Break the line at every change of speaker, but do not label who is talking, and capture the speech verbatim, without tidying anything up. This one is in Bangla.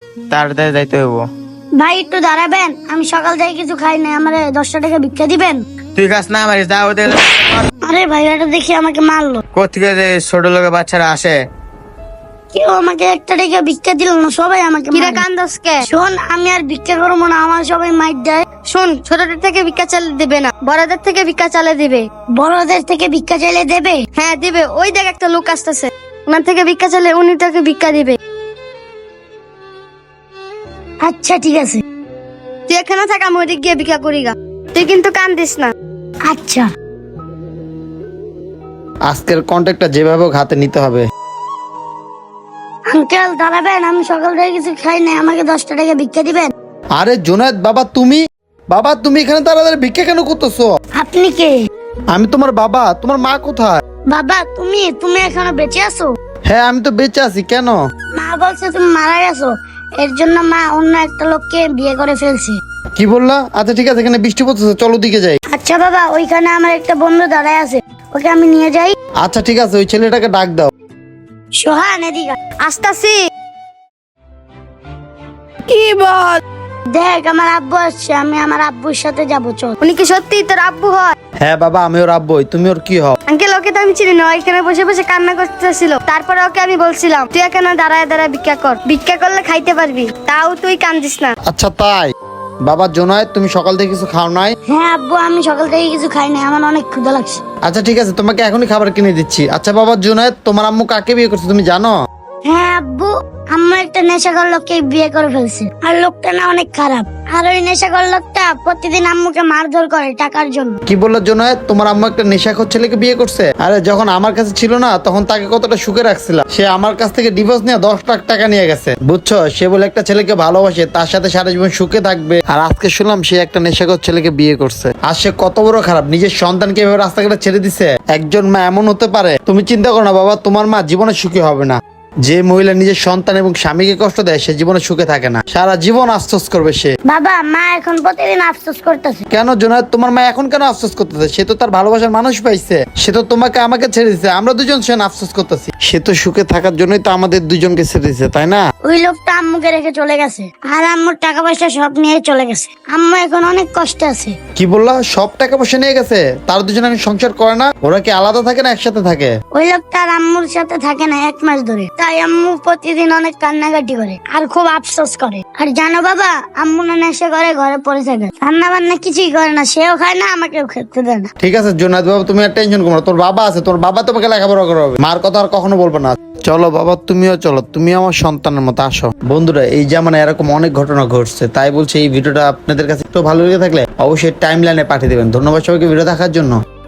তাড়াতাড়ি যাইতে হইব।
ভাই একটু দাঁড়াবেন, আমি সকাল থেকে কিছু খাই নাই, আমার দশটা টাকা ভিক্ষা দিবেন?
তুই কাজ না মারিস, যা ওদের।
আরে ভাই, এটা দেখি আমাকে মারলো।
কোথেকে যে ছোট লোকের বাচ্চারা আসে?
কেউ আমাকে একটা টাকা ভিক্ষা দিল না, সবাই আমাকে
কিরে
মারে।
কান্দস কে?
শোন, আমি আর ভিক্ষা করবো না, আমার সবাই মাইর দেয়।
শোন, ছোটদের থেকে ভিক্ষা চালে দিবে না, বড়দের থেকে ভিক্ষা চালে দিবে।
বড়দের থেকে ভিক্ষা চাইলে দেবে?
হ্যাঁ দিবে, ওই দেখ একটা লোক আসতেছে, ওনার থেকে ভিক্ষা চাইলে উনি তোকে ভিক্ষা দিবে।
আচ্ছা ঠিক আছে।
তুই এখানে থাক, আমি ওদিক গিয়ে ভিক্ষা করি গা। তুই কিন্তু কান্দিস না।
আচ্ছা।
আজকের কন্ট্যাক্টটা যেভাবে হোক হাতে নিতে হবে।
আঙ্কেল দাঁড়াবেন, আমি সকাল থেকে কিছু খাই নাই, আমাকে দশটা টাকা ভিক্ষা দিবেন?
আরে জোনায়েদ বাবা, তুমি বাবা তুমি এখানে তাড়াতাড়ি ভিক্ষা কেন করতেছো?
আপনি কে?
আমি তোমার বাবা। তোমার মা কোথায়?
বাবা তুমি তুমি এখনো বেঁচে আছো?
হ্যাঁ আমি তো বেঁচে আছি। কেন?
মা বলছে তুমি মারা গেছো, এর জন্য মা অন্য একটা লোককে বিয়ে করে ফেলছে।
কি বললা? আচ্ছা ঠিক আছে, এখানে বৃষ্টি পড়তেছে, চলো দিকে যাই।
আচ্ছা বাবা, ওইখানে আমার একটা বন্ধু দাঁড়ায় আছে, ওকে আমি নিয়ে যাই।
আচ্ছা ঠিক আছে, ওই ছেলেটাকে ডাক দাও।
সোহান এদিকে আয়।
আসতাছি।
কি বল? দেখ আমার আব্বু আসছে, আমি আমার আব্বুর সাথে যাবো, চল।
উনি কি সত্যি তোর আব্বু হয়?
হ্যাঁ বাবা, আমি ওর আব্বুই। তুমি ওর কি হও?
আঙ্কেল, ওকে তো আমি চিনি না, এখানে বসে বসে কান্না করতেছিল। তারপরে ওকে আমি বলছিলাম তুই এখানে দাঁড়ায় দাঁড়ায় ভিক্ষা কর, ভিক্ষা করলে খাইতে পারবি, তাও তুই কান্দিস না।
আচ্ছা তাই? বাবা জোনায়েদ, তুমি সকাল থেকে কিছু খাও নাই?
হ্যাঁ আব্বু, আমি সকাল থেকে কিছু খাই নাই, আমার অনেক ক্ষুধা লাগছে।
আচ্ছা ঠিক আছে, তোমাকে এখনই খাবার কিনে দিচ্ছি। আচ্ছা বাবা জোনায়েদ, তোমার আম্মু কাকে বিয়ে করছে তুমি জানো?
হ্যাঁ আব্বু, আম্মু একটা নেশাখোর লোককে বিয়ে করে ফেলছে, আর লোকটা না অনেক খারাপ। আর ওই নেশাখোর লোকটা প্রতিদিন আম্মুকে মারধর করে টাকার জন্য।
কি বললো জোনায়েদ? তোমার আম্মু একটা নেশাখোর ছেলেকে বিয়ে করছে? আরে যখন আমার কাছে ছিল না, তখন তাকে কতটা সুখে রাখছিলাম। সে আমার কাছ থেকে ডিভোর্স নিয়ে দশ লাখ টাকা নিয়ে গেছে, বুঝছো? সে বলে একটা ছেলেকে ভালোবাসে, তার সাথে সারা জীবন সুখে থাকবে, আর আজকে শুনলাম সে একটা নেশাখোর ছেলেকে বিয়ে করছে। আর সে কত বড় খারাপ, নিজের সন্তানকে এভাবে রাস্তাঘাটে ছেড়ে দিছে। একজন মা এমন হতে পারে? তুমি চিন্তা করো না বাবা, তোমার মা জীবনে সুখী হবে না। যে মহিলা নিজের সন্তান এবং স্বামীকে কষ্ট দেয়, সে জীবনে সুখে থাকে না, সারা জীবন আফসোস করবে সে।
বাবা, মা এখন প্রতিদিন আফসোস করতেছে।
কেন জোনায়েদ, তোমার মা এখন কেন আফসোস করতেছে? সে তো তার ভালোবাসার মানুষ পাইছে, সে তো তোমাকে আমাকে ছেড়ে দিছে, আমরা দুজন সে আফসোস করতেছি। সে তো সুখে থাকার জন্যই তো আমাদের দুজনকে ছেড়ে দিছে, তাই না?
ওই লোকটা আম্মুকে রেখে চলে গেছে, আর আম্মুর টাকা পয়সা সব নিয়ে চলে গেছে। আম্মু এখন অনেক কষ্টে আছে।
কি বললা? সব টাকা পয়সা নিয়ে গেছে? তার দুজন আমি সংসার করে না? ওরা কি আলাদা থাকে না একসাথে থাকে?
ওই লোকটা আর আম্মুর সাথে থাকে না এক মাস ধরে, তাই আম্মু প্রতিদিন অনেক কান্নাকাটি করে আর খুব আফসোস করে। আর জানো বাবা, আম্মু না নেশা করে ঘরে পড়ে থাকে, রান্না বান্না কিছুই করে না, সেও খায় না, আমাকেও খেতে দেয় না।
ঠিক আছে জোনায়েদ বাবা, তুমি আর টেনশন করো না, তোর বাবা আছে, তোর বাবা তোমাকে লেখাপড়া করাবে, মার কথা আর কখনো বলবো না। চলো বাবা, তুমিও চলো, তুমি আমার সন্তানের মতো আসো। বন্ধুরা, এই জামানে এরকম অনেক ঘটনা ঘটছে, তাই বলছি এই ভিডিওটা আপনাদের কাছে একটু ভালো লেগে থাকলে অবশ্যই টাইম লাইনে পাঠিয়ে দেবেন। ধন্যবাদ সবাইকে ভিডিও দেখার জন্য।